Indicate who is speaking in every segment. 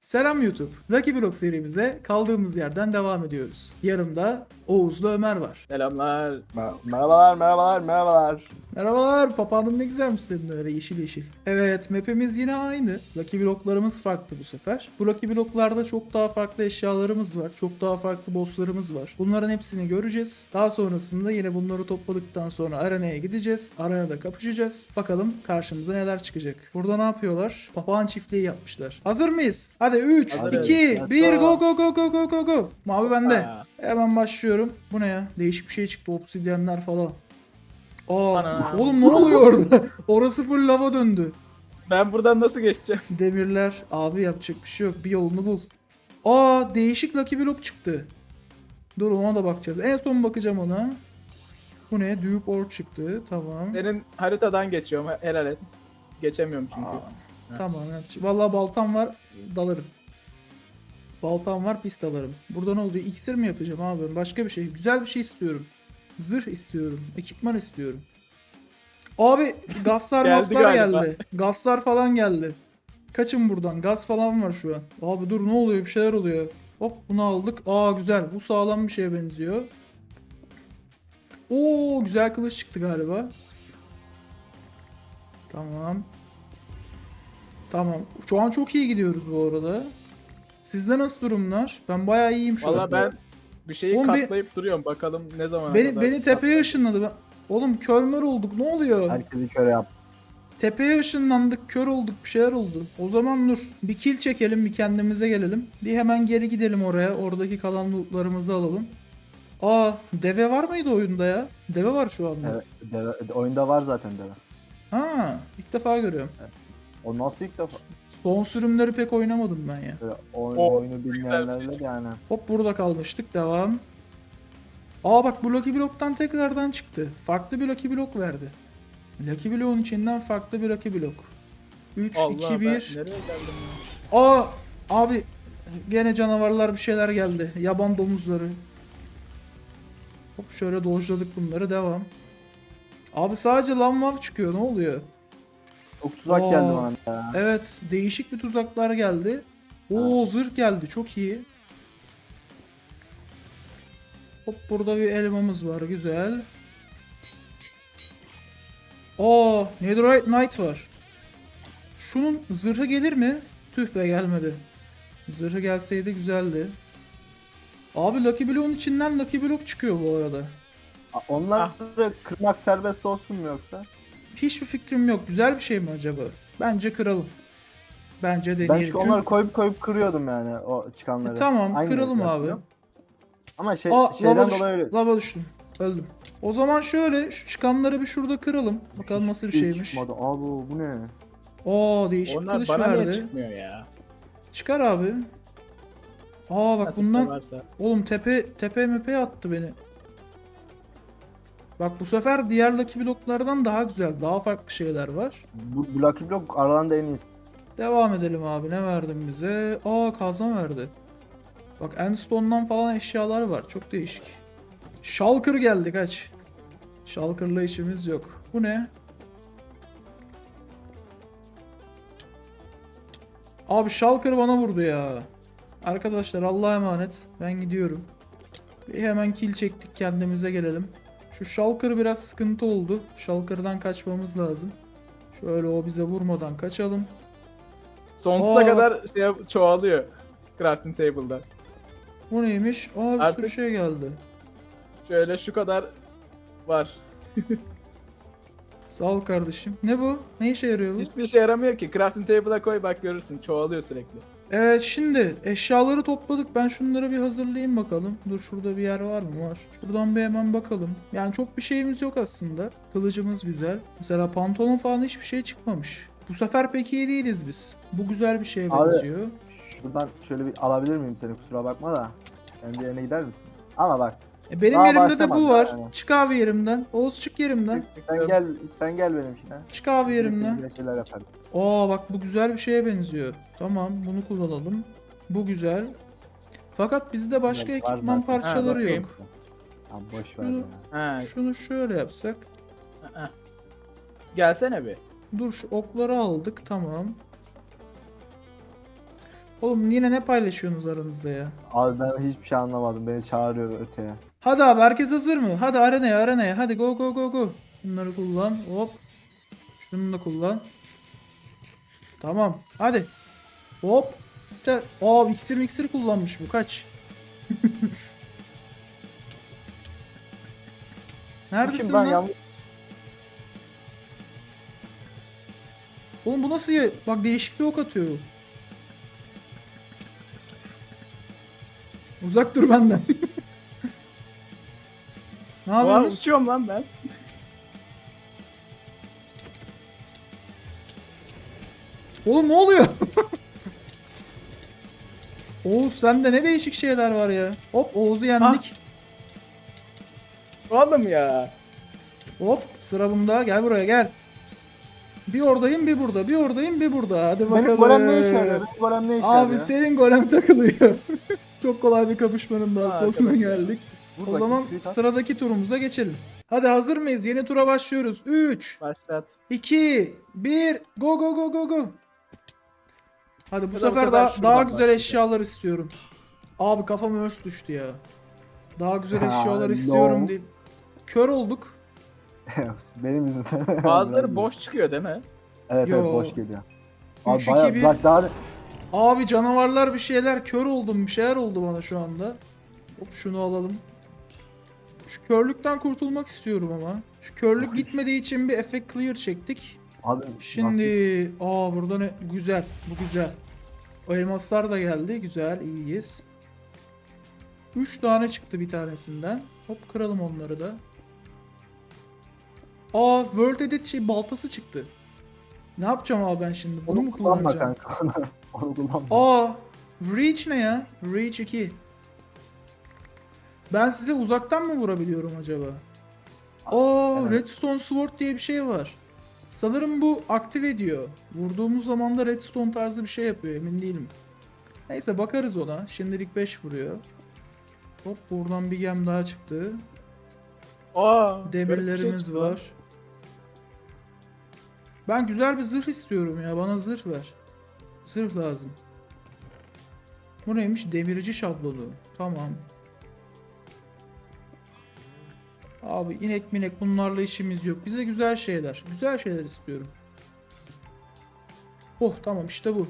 Speaker 1: Selam YouTube. Lucky Block serimize kaldığımız yerden devam ediyoruz. Yanımda Oğuz'la Ömer var.
Speaker 2: Selamlar.
Speaker 3: Merhabalar.
Speaker 1: Merhabalar, papağanım ne güzelmiş senin öyle yeşil yeşil. Evet, map'imiz yine aynı. Lucky Block'larımız farklı bu sefer. Bu Lucky Block'larda çok daha farklı eşyalarımız var. Çok daha farklı boss'larımız var. Bunların hepsini göreceğiz. Daha sonrasında yine bunları topladıktan sonra arenaya gideceğiz. Arenada kapışacağız. Bakalım karşımıza neler çıkacak. Burada ne yapıyorlar? Papağan çiftliği yapmışlar. Hazır mıyız? Hadi 3,
Speaker 2: Hazırız.
Speaker 1: 2, 1, go go go go go go go. Mavi bende.
Speaker 2: Ha.
Speaker 1: Hemen başlıyorum. Bu ne ya? Değişik bir şey çıktı. Obsidyenler falan. Aa,
Speaker 2: Ana.
Speaker 1: oğlum ne oluyor orada? Orası full lava döndü.
Speaker 2: Ben buradan nasıl geçeceğim?
Speaker 1: Demirler. Abi yapacak bir şey yok. Bir yolunu bul. Aa, değişik Lucky Block çıktı. Dur ona da bakacağız. En son bakacağım ona. Bu ne? Duke Ore çıktı. Tamam.
Speaker 2: Senin haritadan geçiyorum. Helal et. Geçemiyorum çünkü.
Speaker 1: Tamam. Vallahi baltam var. Dalarım. Baltam var, pis dalarım. Burada ne oluyor? İksir mi yapacağım abi? Ben başka bir şey. Güzel bir şey istiyorum. Zırh istiyorum. Ekipman istiyorum. Abi gazlar
Speaker 2: Geldi
Speaker 1: maslar
Speaker 2: galiba.
Speaker 1: geldi. Gazlar falan geldi. Kaçın buradan. Gaz falan var şu an. Abi dur ne oluyor? Bir şeyler oluyor. Hop bunu aldık. Aa güzel. Bu sağlam bir şeye benziyor. Oo güzel kılıç çıktı galiba. Tamam. Tamam. Şu an çok iyi gidiyoruz bu arada. Sizde nasıl durumlar? Ben bayağı iyiyim şu an.
Speaker 2: Valla ben bir şeyi
Speaker 1: Oğlum
Speaker 2: katlayıp duruyorum. Bakalım ne zaman
Speaker 1: Beni tepeye ışınladı. Oğlum körmer olduk. Ne oluyor?
Speaker 3: Herkesi köre yap.
Speaker 1: Tepeye ışınlandık. Kör olduk. Bir şeyler oldu. O zaman dur. Bir kill çekelim. Bir kendimize gelelim. Bir hemen geri gidelim oraya. Oradaki kalan lootlarımızı alalım. Aa, deve var mıydı oyunda ya? Deve var şu anda.
Speaker 3: Evet, oyunda var zaten deve.
Speaker 1: Ha, ilk defa görüyorum.
Speaker 3: O nasıl ilk defa?
Speaker 1: Son sürümleri pek oynamadım ben ya.
Speaker 3: Böyle
Speaker 2: O,
Speaker 3: oyunu
Speaker 2: güzel bir
Speaker 3: bilmeyenlerle
Speaker 2: şey.
Speaker 3: yani.
Speaker 1: Hop burada kalmıştık. Devam. Aa bak bu Lucky Block'tan tekrardan çıktı. Farklı bir Lucky Block verdi. Lucky Block'un içinden farklı bir Lucky Block. 3,
Speaker 2: Allah
Speaker 1: 2,
Speaker 2: ben
Speaker 1: 1.
Speaker 2: nereye geldim ya?
Speaker 1: Aa abi gene canavarlar bir şeyler geldi. Yaban domuzları. Hop şöyle dojladık bunları. Devam. Abi sadece lamvav çıkıyor. Ne oluyor?
Speaker 3: Çok tuzak
Speaker 1: Aa.
Speaker 3: geldi bana ya.
Speaker 1: Evet. Değişik bir tuzaklar geldi. Oo zırh geldi. Çok iyi. Hop burada bir elmamız var. Güzel. Aa Netherite Knight var. Şunun zırhı gelir mi? Tüh be gelmedi. Zırhı gelseydi güzeldi. Abi Lucky Block'un içinden Lucky Block çıkıyor bu arada.
Speaker 3: Onları kırmak serbest olsun mu yoksa?
Speaker 1: Hiçbir fikrim yok. Güzel bir şey mi acaba? Bence kıralım. Bence
Speaker 3: Ben
Speaker 1: deneyelim.
Speaker 3: çünkü onları koyup kırıyordum yani o çıkanları.
Speaker 1: Tamam
Speaker 3: Aynı
Speaker 1: kıralım abi.
Speaker 3: yapıyorum. Ama
Speaker 1: Aa
Speaker 3: şeyden
Speaker 1: lava,
Speaker 3: dolayı öyle.
Speaker 1: lava düştüm. Öldüm. O zaman şöyle şu çıkanları bir şurada kıralım. Bakalım nasıl bir
Speaker 3: Hiçbir şey
Speaker 1: şeymiş.
Speaker 3: çıkmadı. Abi bu ne?
Speaker 1: Aa değişik
Speaker 2: Onlar
Speaker 1: kılıç
Speaker 2: bana niye
Speaker 1: verdi.
Speaker 2: çıkmıyor ya?
Speaker 1: Çıkar abi. Aa bak
Speaker 2: Nasıl
Speaker 1: bundan
Speaker 2: varsa.
Speaker 1: oğlum tepe mepeye attı beni. Bak bu sefer diğer Lucky Block'lardan daha güzel. Daha farklı şeyler var.
Speaker 3: Bu Lucky Block aralarında en iyisi.
Speaker 1: Devam edelim abi. Ne verdin bize? Aa kazma verdi. Bak Endstone'dan falan eşyalar var. Çok değişik. Shulker geldi kaç. Shulker'la işimiz yok. Bu ne? Abi Shulker bana vurdu ya. Arkadaşlar Allah'a emanet. Ben gidiyorum. Bir hemen kill çektik kendimize gelelim. Şu Shulker biraz sıkıntı oldu. Shulker'dan kaçmamız lazım. Şöyle o bize vurmadan kaçalım.
Speaker 2: Sonsuza
Speaker 1: Aa.
Speaker 2: kadar çoğalıyor. Crafting table'da.
Speaker 1: Bu neymiş? Aa bir sürü
Speaker 2: Artık-
Speaker 1: şey geldi.
Speaker 2: Şöyle şu kadar var.
Speaker 1: Sağ ol kardeşim. Ne bu? Ne işe yarıyor bu?
Speaker 2: Hiçbir işe yaramıyor ki. Crafting table'a koy bak görürsün. Çoğalıyor sürekli.
Speaker 1: Evet şimdi eşyaları topladık. Ben şunları bir hazırlayayım bakalım. Dur şurada bir yer var mı? Var. Şuradan bir hemen bakalım. Yani çok bir şeyimiz yok aslında. Kılıcımız güzel. Mesela pantolon falan hiçbir şey çıkmamış. Bu sefer pek iyi değiliz biz. Bu güzel bir şeye
Speaker 3: Abi.
Speaker 1: benziyor.
Speaker 3: Şuradan şöyle bir alabilir miyim seni, kusura bakma da. Kendi yerine gider misin? Ama bak.
Speaker 1: Benim
Speaker 3: Daha
Speaker 1: yerimde de
Speaker 3: başlamadı
Speaker 1: bu var.
Speaker 3: yani.
Speaker 1: Çık abi yerimden. Oğuz çık yerimden.
Speaker 3: Sen gel benimkine.
Speaker 1: Çık abi yerimden.
Speaker 3: Güzel şeyler yaparım.
Speaker 1: Aa bak bu güzel bir şeye benziyor. Tamam bunu kullanalım. Bu güzel. Fakat bizde başka
Speaker 3: Var
Speaker 1: ekipman
Speaker 3: zaten.
Speaker 1: parçaları
Speaker 2: bakayım.
Speaker 1: yok.
Speaker 3: Abi boş ver
Speaker 1: Şunu-
Speaker 3: ya.
Speaker 2: Ha.
Speaker 1: Şunu şöyle yapsak.
Speaker 2: Gelsene bir.
Speaker 1: Dur şu okları aldık tamam. Oğlum yine ne paylaşıyorsunuz aranızda ya?
Speaker 3: Abi ben hiçbir şey anlamadım. Beni çağırıyor öteye.
Speaker 1: Hadi abi herkes hazır mı? Hadi arenaya. Hadi go go go go. Bunları kullan. Hop. Şunu da kullan. Tamam. Hadi. Hop. İksir kullanmış bu. Kaç. Neredesin
Speaker 3: Şimdi ben
Speaker 1: lan?
Speaker 3: yanlış
Speaker 1: Oğlum bu nasıl ya? Bak değişik bir ok atıyor. Uzak dur benden. Ne
Speaker 2: Oha,
Speaker 1: yapıyorsunuz?
Speaker 2: uçuyorum lan ben.
Speaker 1: Oğlum ne oluyor? Oğuz sende ne değişik şeyler var ya. Hop Oğuz'u yendik.
Speaker 2: Oğlum ya.
Speaker 1: Hop sıra bunda. Gel buraya gel. Bir oradayım bir burada. Bir oradayım bir burada. Hadi bakalım.
Speaker 3: Benim golem ne işe yarıyor? Benim golem ne işe
Speaker 1: Abi
Speaker 3: yarıyor?
Speaker 1: senin golem takılıyor. Çok kolay bir kapışmanın daha
Speaker 2: Aa,
Speaker 1: sonuna
Speaker 2: arkadaşlar.
Speaker 1: geldik.
Speaker 3: Vur
Speaker 1: O
Speaker 3: bakayım,
Speaker 1: zaman
Speaker 3: tweet at.
Speaker 1: sıradaki turumuza geçelim. Hadi hazır mıyız? Yeni tura başlıyoruz. 3,
Speaker 2: Başlat.
Speaker 1: 2, 1, go go go go go. Hadi bu
Speaker 2: Ya da bu
Speaker 1: sefer
Speaker 2: sefer
Speaker 1: daha
Speaker 2: şuradan
Speaker 1: güzel
Speaker 2: başlayacağım.
Speaker 1: eşyalar istiyorum. Abi kafam örs düştü ya. Daha güzel
Speaker 3: Ha,
Speaker 1: eşyalar
Speaker 3: no.
Speaker 1: istiyorum deyip. Kör olduk.
Speaker 3: Benim yüzümden.
Speaker 2: Bazıları
Speaker 3: Biraz-
Speaker 2: boş çıkıyor değil mi?
Speaker 3: Evet
Speaker 1: Yo.
Speaker 3: evet boş geliyor. Abi
Speaker 1: 3,
Speaker 3: bayağı
Speaker 1: 2, 1.
Speaker 3: bak daha
Speaker 1: Abi canavarlar bir şeyler kör oldum bir şeyler oldu bana şu anda. Hop şunu alalım. Şu körlükten kurtulmak istiyorum ama. Şu körlük gitmediği için bir effect clear çektik.
Speaker 3: abi
Speaker 1: Şimdi burada ne güzel bu güzel. O elmaslar da geldi güzel iyiyiz. 3 tane çıktı bir tanesinden. Hop kıralım onları da. World Edit baltası çıktı. Ne yapacağım abi ben şimdi? Bunu mu
Speaker 3: kullanma
Speaker 1: kullanacağım?
Speaker 3: kanka. Onu kullanma.
Speaker 1: Reach ne ya? Reach 2. Ben size uzaktan mı vurabiliyorum acaba?
Speaker 3: Evet.
Speaker 1: Redstone Sword diye bir şey var. Sanırım bu aktive ediyor. Vurduğumuz zaman da redstone tarzı bir şey yapıyor emin değilim. Neyse bakarız ona. Şimdilik 5 vuruyor. Hop buradan bir gem daha çıktı.
Speaker 2: Aa, böyle bir şey
Speaker 1: Demirlerimiz
Speaker 2: çıktı lan.
Speaker 1: var. Ben güzel bir zırh istiyorum ya. Bana zırh ver. Zırh lazım. Bu neymiş? Demirci şablonu. Tamam. Abi inek minek bunlarla işimiz yok. Bize güzel şeyler. Güzel şeyler istiyorum. Oh tamam işte bu.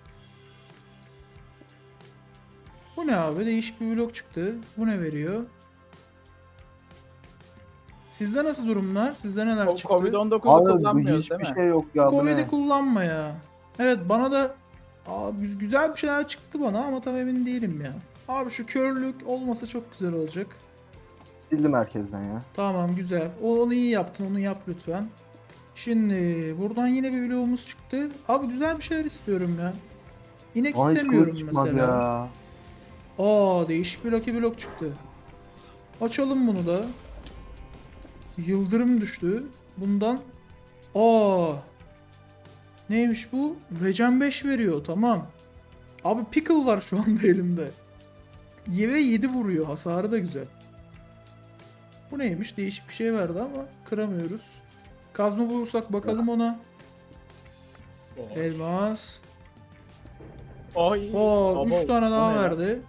Speaker 1: Bu ne abi? Değişik bir blok çıktı. Bu ne veriyor? Sizde nasıl durumlar? Sizde neler çıktı?
Speaker 2: Covid-19'u
Speaker 3: Abi bu
Speaker 2: kullanmıyoruz değil
Speaker 3: hiçbir
Speaker 2: mi?
Speaker 3: şey yok ya bu
Speaker 1: Covid'i
Speaker 3: ne?
Speaker 1: kullanma ya. Evet bana da güzel bir şeyler çıktı bana ama tam emin değilim ya. Abi şu körlük olmasa çok güzel olacak.
Speaker 3: Sildim herkesten ya.
Speaker 1: Tamam güzel. Onu iyi yaptın. Onu yap lütfen. Şimdi buradan yine bir bloğumuz çıktı. Abi güzel bir şeyler istiyorum ya. İnek
Speaker 3: Aa hiç
Speaker 1: istemiyorum
Speaker 3: kılıç çıkmadı
Speaker 1: mesela.
Speaker 3: ya.
Speaker 1: Değişik bir Lucky Block çıktı. Açalım bunu da. Yıldırım düştü. Bundan neymiş bu? Regen 5 veriyor. Tamam. Abi pickle var şu anda elimde. Ve 7 vuruyor. Hasarı da güzel. Bu neymiş? Değişik bir şey verdi ama kıramıyoruz. Kazma bulursak bakalım ona. Elmas.
Speaker 2: Ay.
Speaker 1: 3
Speaker 2: Abo,
Speaker 1: tane
Speaker 2: o
Speaker 1: daha
Speaker 2: ne ya?
Speaker 1: verdi.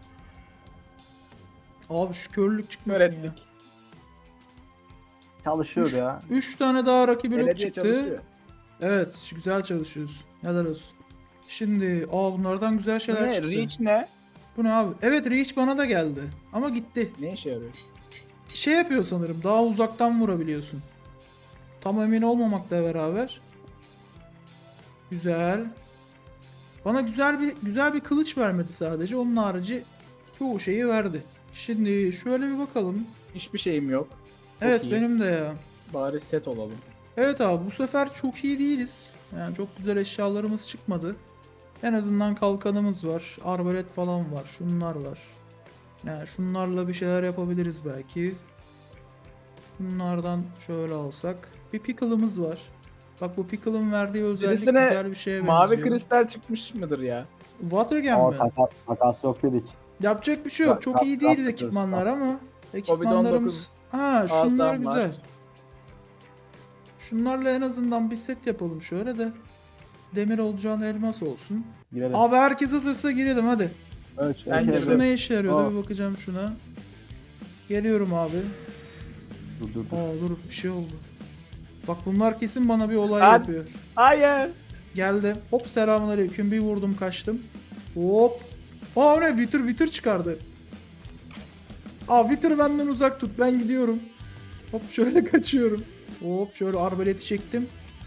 Speaker 1: Abi şu körlük çıkmasın ya.
Speaker 2: Öğrettik.
Speaker 3: Çalışıyor ya.
Speaker 1: 3 tane daha Lucky Block
Speaker 2: Belediye
Speaker 1: çıktı.
Speaker 2: çalışıyor.
Speaker 1: Evet, güzel çalışıyoruz. Helal olsun. Şimdi, bunlardan güzel
Speaker 2: Bu
Speaker 1: şeyler
Speaker 2: ne?
Speaker 1: çıktı.
Speaker 2: Reach ne?
Speaker 1: Bu ne abi? Evet, Reach bana da geldi. Ama gitti.
Speaker 2: Ne işe yarıyor?
Speaker 1: Şey yapıyor sanırım, daha uzaktan vurabiliyorsun. Tam emin olmamakla beraber. Güzel. Bana güzel bir kılıç vermedi sadece. Onun harici çoğu şeyi verdi. Şimdi şöyle bir bakalım.
Speaker 2: Hiçbir şeyim yok. Çok
Speaker 1: Evet,
Speaker 2: iyi.
Speaker 1: benim de ya.
Speaker 2: Bari set olalım.
Speaker 1: Evet abi bu sefer çok iyi değiliz. Yani çok güzel eşyalarımız çıkmadı. En azından kalkanımız var. Arbalet falan var. Şunlar var. Yani şunlarla bir şeyler yapabiliriz belki. Bunlardan şöyle alsak. Bir pickle'ımız var. Bak bu pickle'ın verdiği özellik
Speaker 2: Birisine
Speaker 1: güzel bir şeye
Speaker 2: Mavi
Speaker 1: benziyor.
Speaker 2: kristal çıkmış mıdır ya?
Speaker 1: Watergen
Speaker 3: Aa
Speaker 1: mi?
Speaker 3: takas yok dedik.
Speaker 1: Yapacak bir şey yok. Çok iyi değiliz
Speaker 3: Yapacağız.
Speaker 1: ekipmanlar ama. Ekipmanlarımız... şunlar
Speaker 2: Asam
Speaker 1: güzel.
Speaker 2: var.
Speaker 1: Şunlarla en azından bir set yapalım şöyle de. demir olacağını elmas olsun.
Speaker 3: Girelim.
Speaker 1: Abi herkes hazırsa girelim hadi.
Speaker 3: Ölç.
Speaker 2: Ben
Speaker 3: erkeğe
Speaker 1: Şu
Speaker 3: dön.
Speaker 1: ne işe yarıyor?
Speaker 3: Aa.
Speaker 1: Bir bakacağım şuna. Geliyorum abi.
Speaker 3: Dur dur dur.
Speaker 1: Dur bir şey oldu. Bak bunlar kesin bana bir olay
Speaker 2: Abi.
Speaker 1: yapıyor.
Speaker 2: Hayır.
Speaker 1: Geldim. Hop selamünaleyküm. Bir vurdum kaçtım. Hop. Aa ne? Wither çıkardı. Aa Wither benden uzak tut. Ben gidiyorum. Hop şöyle kaçıyorum. Hop şöyle arbaleti çektim.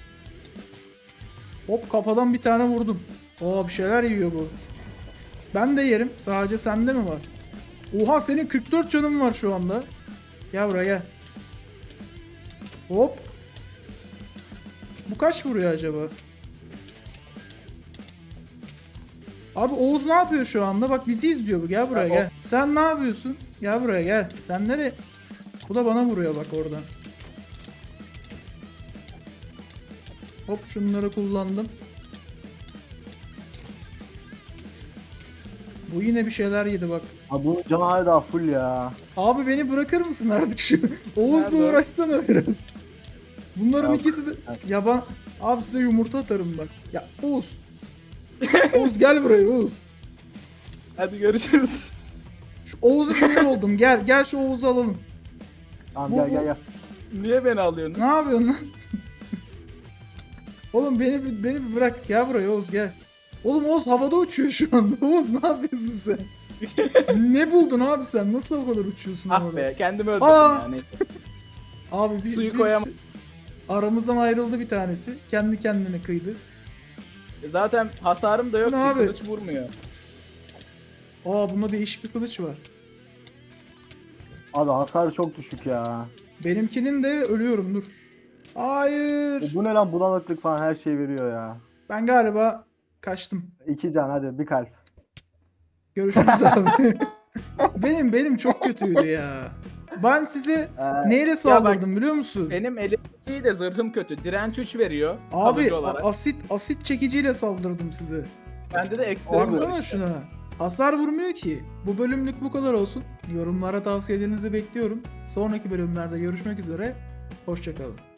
Speaker 1: Hop kafadan bir tane vurdum. Aa bir şeyler yiyor bu. Ben de yerim. Sadece sende mi var? Oha senin 44 canın var şu anda. Gel buraya gel. Hop. Bu kaç vuruyor acaba? Abi Oğuz ne yapıyor şu anda? Bak bizi izliyor bu. Gel buraya
Speaker 2: Ya,
Speaker 1: gel. Sen ne yapıyorsun? Gel buraya gel. Sen nereye? Bu da bana vuruyor bak oradan. Hop şunları kullandım. Bu yine bir şeyler yedi bak.
Speaker 3: Abi bunun canı hala daha full ya.
Speaker 1: Abi beni bırakır mısın artık şu? Oğuz'la
Speaker 2: Nerede?
Speaker 1: uğraşsana biraz. Bunların
Speaker 3: Yok.
Speaker 1: ikisi de yaban. Abi size yumurta atarım bak. Ya Oğuz. Oğuz gel buraya Oğuz.
Speaker 2: Hadi görüşürüz.
Speaker 1: Şu Oğuz'a sinir oldum. Gel şu Oğuz'u alalım.
Speaker 3: Tamam
Speaker 1: Bu-
Speaker 3: gel gel gel.
Speaker 2: Niye beni alıyorsun?
Speaker 1: Ne yapıyorsun lan? Oğlum beni bir bırak. Gel buraya Oğuz gel. Oğlum Oğuz havada uçuyor şu anda. Oğuz ne yapıyorsun sen? Ne buldun abi sen? Nasıl o kadar uçuyorsun
Speaker 2: Ah
Speaker 1: orada?
Speaker 2: be kendimi öldürdüm
Speaker 1: Aa!
Speaker 2: yani.
Speaker 1: Abi
Speaker 2: Suyu koyamam.
Speaker 1: aramızdan ayrıldı bir tanesi. Kendi kendine kıydı.
Speaker 2: Zaten hasarım da yok
Speaker 1: Bu
Speaker 2: ki
Speaker 1: ne abi?
Speaker 2: kılıç vurmuyor.
Speaker 1: Bunda değişik bir kılıç var.
Speaker 3: Abi hasarı çok düşük ya.
Speaker 1: Benimkinin de ölüyorum dur. Hayır.
Speaker 3: Bu ne lan, bulanıklık falan her şey veriyor ya.
Speaker 1: Ben galiba kaçtım.
Speaker 3: 2 can, hadi bir kalp.
Speaker 1: Görüşürüz abi. benim çok kötüydü ya. Ben size neyle saldırdım biliyor musun?
Speaker 2: Benim elimdeki de zırhım kötü. Direnç 3 veriyor.
Speaker 1: Abi
Speaker 2: kalıcı olarak.
Speaker 1: asit çekiciyle saldırdım size.
Speaker 2: Bende de ekstra var
Speaker 1: Baksana
Speaker 2: işte.
Speaker 1: şuna. Hasar vurmuyor ki. Bu bölümlük bu kadar olsun. Yorumlara tavsiyelerinizi bekliyorum. Sonraki bölümlerde görüşmek üzere. Hoşçakalın.